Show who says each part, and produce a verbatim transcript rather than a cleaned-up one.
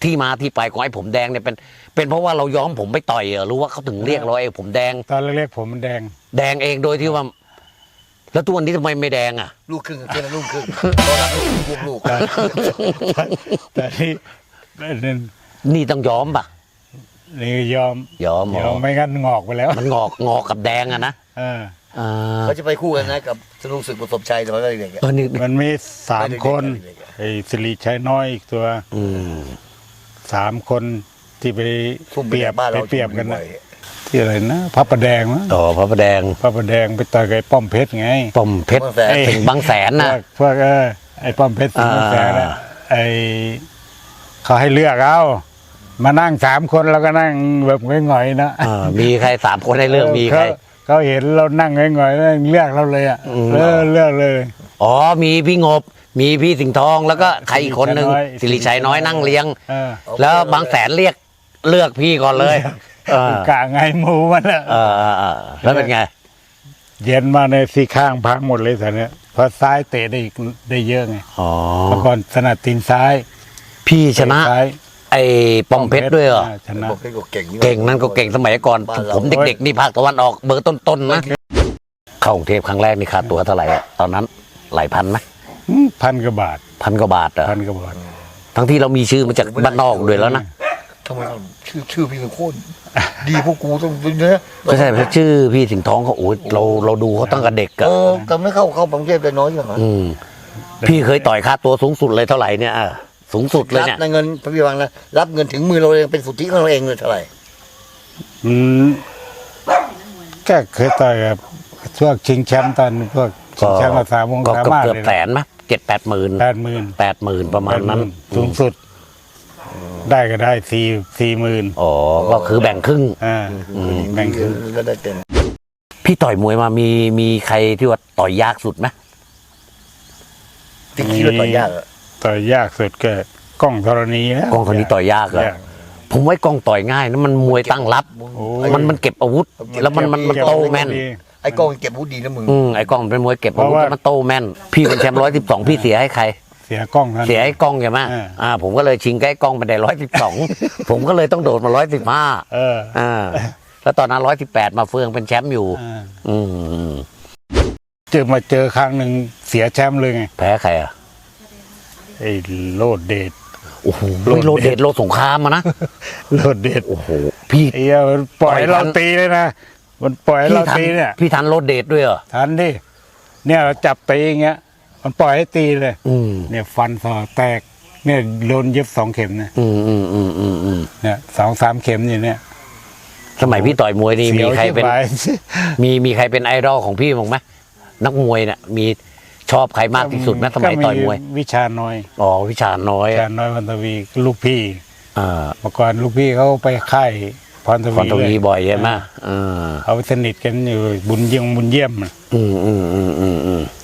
Speaker 1: ที่มาที่ไปของไอ้ผมแดงเนี่ยเป็นเป็นเพราะว่าเราย้อมผมไปต่อยเหรอรู้ว่าเขาถึงเรียกเราไอ้ผมแดง
Speaker 2: ตอนแรกๆผมมันแดง
Speaker 1: แดงเองโดยที่ว่า แล้วตัวนี้ทำไมไม่แดงอ่ะ
Speaker 3: ลูกครึ่งกับเพื่อนลูกครึ่งตอนหลังลูกลูก
Speaker 2: แต่แต่ที่นี่
Speaker 1: นี่ต้องย้อมป่ะ
Speaker 2: นี่ยอม
Speaker 1: ย้อม
Speaker 2: ยอมไม่งั้นงอกไปแล้ว
Speaker 1: มันงอกงอกกับแดงอะนะ
Speaker 2: เออ
Speaker 1: อ่า
Speaker 3: เขาจะไปคู่กันนะกับธนูศึกประสบชัยตอนเด็กๆ
Speaker 1: เออนี่
Speaker 2: มันมีสามคนไอ้สิริชัยน้อยอีกตัว
Speaker 1: อืม
Speaker 2: สามคนที่ไป
Speaker 3: ทุ่ม
Speaker 2: เปรียบ
Speaker 3: บ้าน
Speaker 2: ไป
Speaker 3: เรา
Speaker 2: เปรียบกันนะที่อะไรนะพระประแดงมั้ง
Speaker 1: ต่อพระประแดง
Speaker 2: พระประแดงไปต่อยกับไอ้ป้อมเพชรไง
Speaker 1: ป้อมเพชรถึงบางแสน
Speaker 2: พ
Speaker 1: นะ
Speaker 2: วกพวกเออไอ้ป้อมเพชรสิงห์แสนน่ะ
Speaker 1: อ่า
Speaker 2: ไอ้เขาให้เลือกเอามานั่งสามคนแล้วก็นั่งแบบง่อยๆนะ
Speaker 1: เออมีใครสามคนให้เลือกมีใคร
Speaker 2: เขาเขาเห็นเรานั่งง่อยๆแล้วเลือกเราเลยอ่ะ
Speaker 1: อืม
Speaker 2: เออเลือกเลย
Speaker 1: อ๋อมีพี่งบ มีพี่สิงห์ทองแล้วก็ใครอีกคนหนึ่งสิริชัยน้อยนั่งเลี้ยง
Speaker 2: เออ
Speaker 1: แล้วบางแสนเรียกเลือกพี่ก่อนเลยเออก
Speaker 2: ะไงหมูมันอ่ะ
Speaker 1: เออเออเออแล้วเป็นไง
Speaker 2: เย็นมาในสี่ข้างพังหมดเลยสันเนี้ยเพราะซ้ายเตะได้อีกได้เยอะไง
Speaker 1: อ๋อ
Speaker 2: เมื่อก่อนถนัดตีนซ้าย
Speaker 1: พี่ชนะ
Speaker 2: เตซ้าย
Speaker 1: ไอ้ป้อมเพชรด้วยเหรอ
Speaker 2: ชนะ
Speaker 3: บอกให้เก่ง
Speaker 1: เก่งนั่นก็เก่งสมัยก่อน ผมเด็กๆนี่ภาคตะวันออกเบอร์ต้นๆนะเข้ากรุงเทพครั้งแรกนี่ค่าตั๋วเท่าไหร่อะตอนนั้นหลายพันไหม
Speaker 2: อืมพันกว่าบาท
Speaker 1: พันกว่าบาทเหรอ
Speaker 2: พันกว่าบาท
Speaker 1: ทั้งที่เรามีชื่อมาจากบ้านนอกด้วยแล้วนะ
Speaker 3: ทำไมเขาชื่อชื่อพี่สุโคนดีพวกกูต้องเป็นเนื้อ
Speaker 1: ไม่ใช่ชื่อพี่สิงห์ทองเขาโอ้ยเราเราดูเขาตั้งแต่เด็ก
Speaker 3: เอ
Speaker 1: อะ
Speaker 3: อแต่ไม่เข้าเข้ากรุงเทพได้น้อยอย่างนั้น
Speaker 1: อืมพี่เคยต่อยค่าตัวสูงสุดเลยเท่าไหร่เนี่ยอ่ะสูงสุดเลย
Speaker 3: รับ
Speaker 1: เนี่ย
Speaker 3: ในเงินพี่วังนะรับเงินถึงมือเราเองเป็นสุทธิของเราเองเลยเท่าไหร่
Speaker 2: อืมก็เคยต่อยกับพวกชิงแชมป์ตอนพวกชิงแชมป์มาสามวง
Speaker 1: ก็
Speaker 2: สา
Speaker 1: เกือบ
Speaker 2: มารถ
Speaker 1: เกือบ
Speaker 2: เลย
Speaker 1: แสนไหมเจ็ดแปดหมื่น
Speaker 2: แปดหมื่น
Speaker 1: แปดหมื่นประมาณนั้น
Speaker 2: สูงสุด ได้ก็ได้สี่สี่หมื่น
Speaker 1: อ๋อก็คือแบ่งครึ่ง
Speaker 2: อ่าแบ่งครึ่ง
Speaker 3: ก็ได้เต็ม
Speaker 1: พี่ต่อยมวยมามีมีใครที่ว่าต่อยยากสุดไหม
Speaker 3: ที่คิดว่าต่อยากอะ
Speaker 2: ต่อยยากสุดก็กล้องธรณีนะ
Speaker 1: กองคนนี้ต่อยยากเหรอย
Speaker 2: าก
Speaker 1: ผมไว้กองต่อยง่ายนะมันมวยตั้งรับ
Speaker 2: โอ้
Speaker 1: มันมันเก็บอาวุธ แล้วมันมันมันโตแม่น
Speaker 3: ไอ้กล้องเก็บอาวุธดีนะมึง
Speaker 1: อืมไอ้กล้องเป็นมวยเก็บอาวุธแล้วมันโตแม่น พี่เป็นแชมป์ร้อยสิบสองพี่เสียให้ใคร
Speaker 2: เสียกล้องนั้น
Speaker 1: เสียไอ้กล้องใช่ไหม
Speaker 2: อ่า
Speaker 1: อ่า ผมก็เลยชิงใกล้กล้องไปได้ร้อยสิบสอง ผมก็เลยต้องโดดมาร้อยสิบห้า
Speaker 2: เออ
Speaker 1: อ่า แล้วตอนนั้นร้อยสิบแปดมาเฟืองเป็นแชมป์อยู่
Speaker 2: อ่า
Speaker 1: อืม
Speaker 2: เจอมาเจอครั้งหนึ่งเสียแชมป์เลยไง
Speaker 1: แพ้ใครอ่ะ
Speaker 2: ไอ้โลดเดช
Speaker 1: โอ้โห
Speaker 2: โลดเดช
Speaker 1: โลดเดชโลดสงครามมานะ
Speaker 2: โลดเดช
Speaker 1: โอ้โห พี่
Speaker 2: ไอ้เหี้ยมันปล่อยให้เราตีเลยนะมันปล่อยให้
Speaker 1: พี่
Speaker 2: เรา
Speaker 1: ทัน
Speaker 2: ตีเนี่ย
Speaker 1: พี่ทันโลดเดชด้วยเหรอ
Speaker 2: ทันดิเนี่ยเราจับตีอย่างเงี้ย มันปล่อยให้ตีเลย
Speaker 1: อืม
Speaker 2: เนี่ยฟันสอแตก เนี่ยโดนเย็บสองเข็มนะ
Speaker 1: อืมอืมอืมอืมอืม
Speaker 2: เนี่ยสองสามเข็มอยู่เนี่ย
Speaker 1: สมัยพี่ต่อยมวยนี่มีใครเป็น
Speaker 2: สียวชิบหาย
Speaker 1: มีมีใครเป็นไอดอลของพี่บ้างไหมนักมวยเนี่ยมีชอบใครมากที่สุดไหมสมัยต่อยมวย
Speaker 2: ก็วิชาน้อย
Speaker 1: อ๋อวิชาน้อย
Speaker 2: วิชาน้อยพันธวีลูกพี่
Speaker 1: อ่า
Speaker 2: เมื่อก่อนลูกพี่เขาไปค่ายพรท
Speaker 1: คอน
Speaker 2: วี
Speaker 1: ทวี
Speaker 2: เลย
Speaker 1: บ่อยใช่ไหมอ่า
Speaker 2: เขาสนิทกันอยู่บุญเยี่ยมบุญเยี่ยม
Speaker 1: อืมอืมอืมอืมอืม